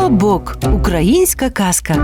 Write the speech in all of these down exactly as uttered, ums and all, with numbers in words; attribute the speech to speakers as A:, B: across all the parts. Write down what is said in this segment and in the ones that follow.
A: Колобок. Українська казка.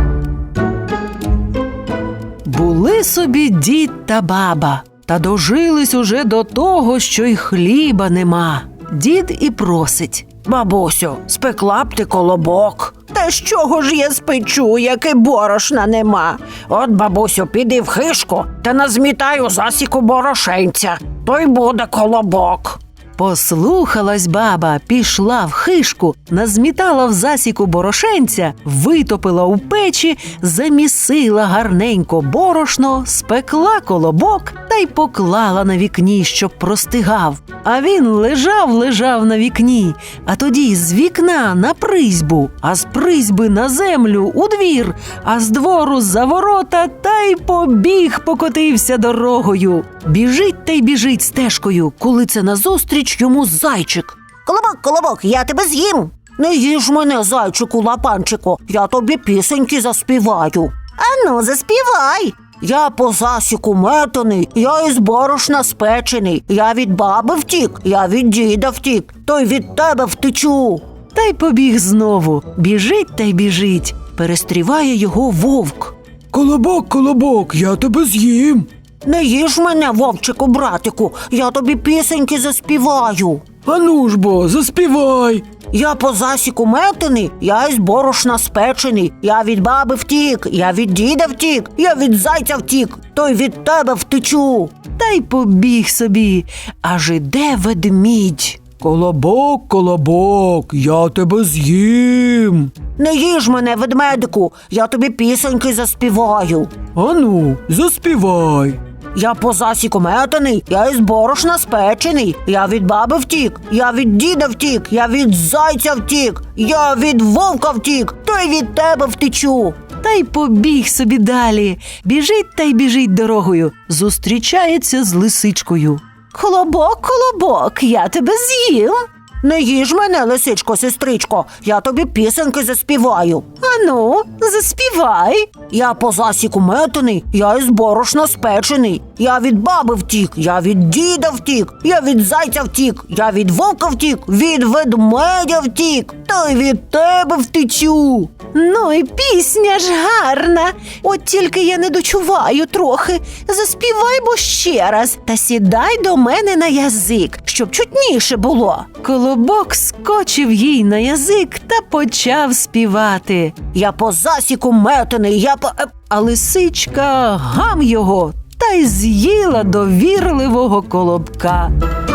A: Були собі дід та баба, та дожились уже до того, що й хліба нема. Дід і просить:
B: бабусю, спекла б ти колобок. Та з чого ж я спечу, як і борошна нема? От, бабусю, піди в хишку та назмітай у засіку борошенця. То й буде колобок.
A: Послухалась баба, пішла в хишку, назмітала в засіку борошенця, витопила у печі, замісила гарненько борошно, спекла колобок та й поклала на вікні, щоб простигав. А він лежав-лежав на вікні, а тоді з вікна на призьбу, а з призьби на землю у двір, а з двору за ворота та й побіг, покотився дорогою. Біжить та й біжить стежкою, коли це назустріч йому зайчик.
B: Колобок, колобок, я тебе з'їм. Не їж мене, зайчику лапанчику, я тобі пісеньки заспіваю. Ану, заспівай. Я по засіку метаний, я із борошна спечений. Я від баби втік, я від діда втік, то й від тебе втечу.
A: Та й побіг знову, біжить та й біжить, перестріває його вовк.
C: Колобок, колобок, я тебе з'їм.
B: Не їж мене, вовчику, братику, я тобі пісеньки заспіваю.
C: Ану ж бо, заспівай.
B: Я по засіку метений, я із борошна спечений. Я від баби втік, я від діда втік, я від зайця втік, то й від тебе втечу.
A: Та й побіг собі, аж іде ведмідь.
C: Колобок, колобок, я тебе з'їм.
B: Не їж мене, ведмедику, я тобі пісеньки заспіваю.
C: Ану, заспівай.
B: Я по засіку метаний, я із борошна спечений. Я від баби втік, я від діда втік, я від зайця втік, я від вовка втік, то й від тебе втечу.
A: Та й побіг собі далі, біжить та й біжить дорогою, зустрічається з лисичкою.
B: Колобок, колобок, я тебе з'їм. Не їж мене, лисичко, сестричко, я тобі пісеньки заспіваю.
A: Ану, заспівай.
B: Я по засіку метаний, я із борошна спечений. Я від баби втік, я від діда втік, я від зайця втік, я від вовка втік, від ведмедя втік, та й від тебе втечу.
A: Ну і пісня ж гарна, от тільки я не дочуваю трохи. Заспівай бо ще раз та сідай до мене на язик, щоб чутніше було. Колобок скочив їй на язик та почав співати.
B: Я по засіку метаний, я по...
A: А лисичка гам його та й з'їла довірливого колобка.